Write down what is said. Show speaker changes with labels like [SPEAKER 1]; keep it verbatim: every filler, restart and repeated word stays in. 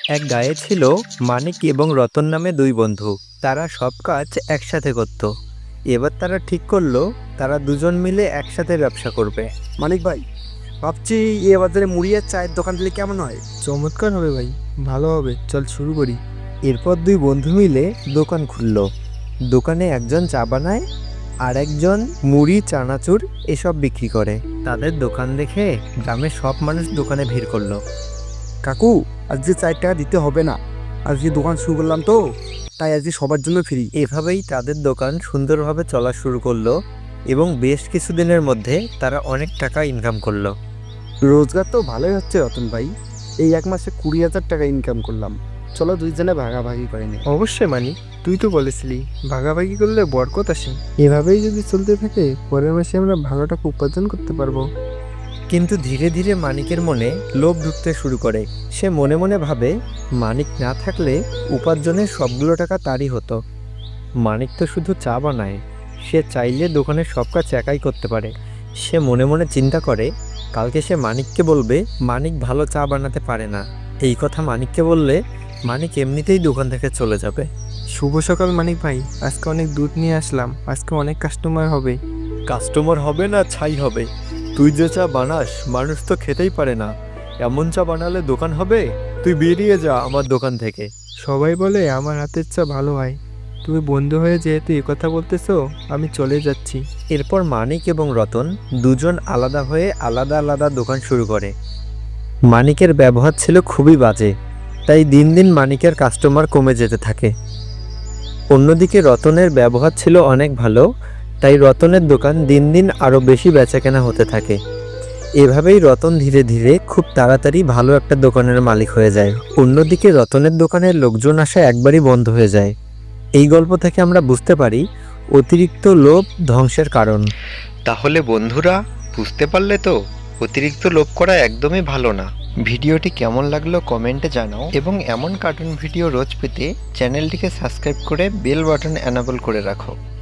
[SPEAKER 1] এক গায়ে ছিল মানিক এবং রতন নামে দুই বন্ধু। তারা সব কাজ একসাথে করত। এবার তারা ঠিক করলো তারা দুজন মিলে একসাথে ব্যবসা করবে।
[SPEAKER 2] মানিক ভাই, ভাবছি এ বাজারে মুড়ি আর চায়ের দোকান দিলে কেমন হয়?
[SPEAKER 3] চমৎকার হবে ভাই, ভালো হবে, চল শুরু করি।
[SPEAKER 1] এরপর দুই বন্ধু মিলে দোকান খুলল। দোকানে একজন চা বানায় আর একজন মুড়ি, চানাচুর এসব বিক্রি করে। তাদের দোকান দেখে গ্রামের সব মানুষ দোকানে ভিড় করলো।
[SPEAKER 2] কাকু, আজকে চার টাকা দিতে হবে না, আজকে দোকান শুরু করলাম তো, তাই আজকে সবার জন্য ফ্রি।
[SPEAKER 1] এভাবেই তাদের দোকান সুন্দরভাবে চলা শুরু করলো এবং বেশ কিছুদিনের মধ্যে তারা অনেক টাকা ইনকাম করলো।
[SPEAKER 2] রোজগার তো ভালোই হচ্ছে রতন ভাই, এই এক মাসে কুড়ি হাজার টাকা ইনকাম করলাম। চলো দুইজনে ভাগাভাগি করে নি।
[SPEAKER 3] অবশ্যই মানি, তুই তো বলেছিলি ভাগাভাগি করলে বরকত আসে। এভাবেই যদি চলতে থাকে পরের মাসে আমরা ভালো টাকা উপার্জন করতে পারবো।
[SPEAKER 1] কিন্তু ধীরে ধীরে মানিকের মনে লোভ ঢুকতে শুরু করে। সে মনে মনে ভাবে মানিক না থাকলে উপার্জনের সবগুলো টাকা তারই হতো। মানিক তো শুধু চা বানায়, সে চাইলে দোকানের সব কাজ একাই করতে পারে। সে মনে মনে চিন্তা করে কালকে সে মানিককে বলবে মানিক ভালো চা বানাতে পারে না। এই কথা মানিককে বললে মানিক এমনিতেই দোকান থেকে চলে যাবে।
[SPEAKER 3] শুভ সকাল মানিক ভাই, আজকে অনেক দুধ নিয়ে আসলাম, আজকে অনেক কাস্টমার হবে।
[SPEAKER 1] কাস্টমার হবে না ছাই হবে। তুই যে চা বানাস মানুষ তো খেতেই পারে না, এমন চা বানালে দোকান হবে? তুই বেরিয়ে যা আমার দোকান থেকে।
[SPEAKER 3] সবাই বলে আমার হাতের চা ভালো হয়, তুমি বন্ধু হয়ে যেহেতু এ কথা বলতেছো আমি চলে যাচ্ছি।
[SPEAKER 1] এরপর মানিক এবং রতন দুজন আলাদা হয়ে আলাদা আলাদা দোকান শুরু করে। মানিকের ব্যবহার ছিল খুবই বাজে, তাই দিন দিন মানিকের কাস্টমার কমে যেতে থাকে। অন্যদিকে রতনের ব্যবহার ছিল অনেক ভালো, তাই রতনের দোকান দিন দিন আরও বেশি বেচাকেনা হতে থাকে। এভাবেই রতন ধীরে ধীরে খুব তাড়াতাড়ি ভালো একটা দোকানের মালিক হয়ে যায়। অন্যদিকে রতনের দোকানের লোকজন আসা একবারই বন্ধ হয়ে যায়। এই গল্প থেকে আমরা বুঝতে পারি অতিরিক্ত লোভ ধ্বংসের কারণ। তাহলে বন্ধুরা বুঝতে পারলে তো, অতিরিক্ত লোভ করা একদমই ভালো না। ভিডিওটি কেমন লাগলো কমেন্টে জানাও এবং এমন কার্টুন ভিডিও রোজ পেতে চ্যানেলটিকে সাবস্ক্রাইব করে বেল বাটন এনাবল করে রাখো।